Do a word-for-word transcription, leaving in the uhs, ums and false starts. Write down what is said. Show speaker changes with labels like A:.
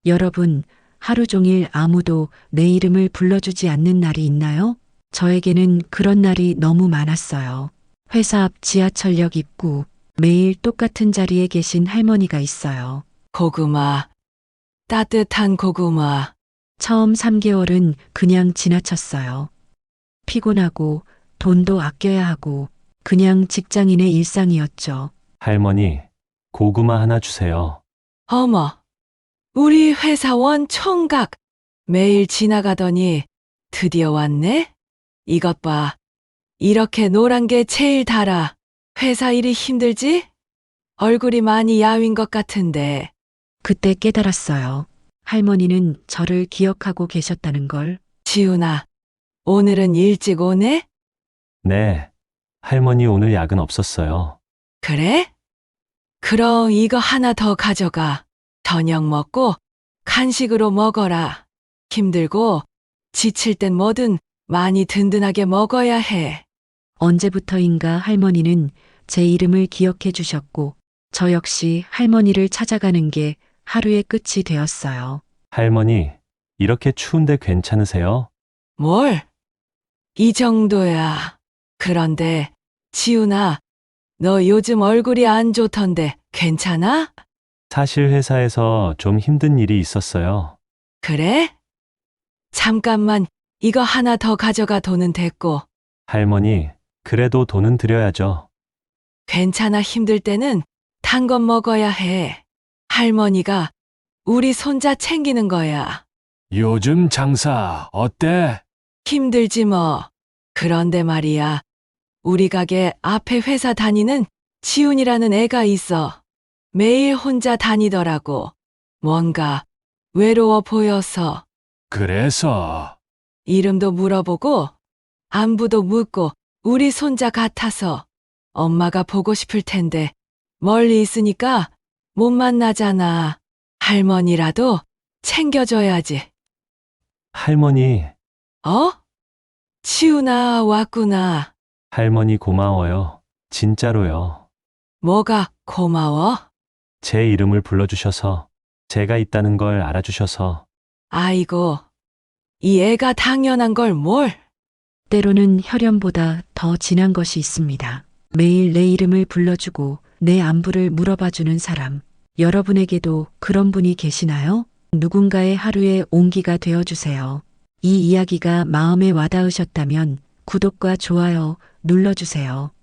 A: 여러분, 하루 종일 아무도 내 이름을 불러주지 않는 날이 있나요? 저에게는 그런 날이 너무 많았어요. 회사 앞 지하철역 입구, 매일 똑같은 자리에 계신 할머니가 있어요.
B: 고구마, 따뜻한 고구마.
A: 처음 삼 개월은 그냥 지나쳤어요. 피곤하고 돈도 아껴야 하고 그냥 직장인의 일상이었죠.
C: 할머니, 고구마 하나 주세요.
B: 어머, 우리 회사원 총각. 매일 지나가더니 드디어 왔네? 이것 봐. 이렇게 노란 게 제일 달아. 회사 일이 힘들지? 얼굴이 많이 야윈 것 같은데.
A: 그때 깨달았어요. 할머니는 저를 기억하고 계셨다는 걸.
B: 지훈아, 오늘은 일찍 오네?
C: 네. 할머니 오늘 야근 없었어요.
B: 그래? 그럼 이거 하나 더 가져가. 저녁 먹고 간식으로 먹어라. 힘들고 지칠 땐 뭐든 많이 든든하게 먹어야 해.
A: 언제부터인가 할머니는 제 이름을 기억해 주셨고 저 역시 할머니를 찾아가는 게 하루의 끝이 되었어요.
C: 할머니, 이렇게 추운데 괜찮으세요?
B: 뭘? 이 정도야. 그런데 지훈아, 너 요즘 얼굴이 안 좋던데 괜찮아?
C: 사실 회사에서 좀 힘든 일이 있었어요.
B: 그래? 잠깐만 이거 하나 더 가져가. 돈은 됐고.
C: 할머니, 그래도 돈은 드려야죠.
B: 괜찮아. 힘들 때는 단 건 먹어야 해. 할머니가 우리 손자 챙기는 거야.
D: 요즘 장사 어때?
B: 힘들지 뭐. 그런데 말이야. 우리 가게 앞에 회사 다니는 지훈이라는 애가 있어. 매일 혼자 다니더라고. 뭔가 외로워 보여서.
D: 그래서
B: 이름도 물어보고 안부도 묻고 우리 손자 같아서 엄마가 보고 싶을 텐데 멀리 있으니까 못 만나잖아. 할머니라도 챙겨줘야지.
C: 할머니,
B: 어? 치훈아 왔구나.
C: 할머니 고마워요. 진짜로요.
B: 뭐가 고마워?
C: 제 이름을 불러주셔서, 제가 있다는 걸 알아주셔서,
B: 아이고, 이 애가 당연한 걸 뭘?
A: 때로는 혈연보다 더 진한 것이 있습니다. 매일 내 이름을 불러주고 내 안부를 물어봐주는 사람. 여러분에게도 그런 분이 계시나요? 누군가의 하루의 온기가 되어주세요. 이 이야기가 마음에 와닿으셨다면 구독과 좋아요 눌러주세요.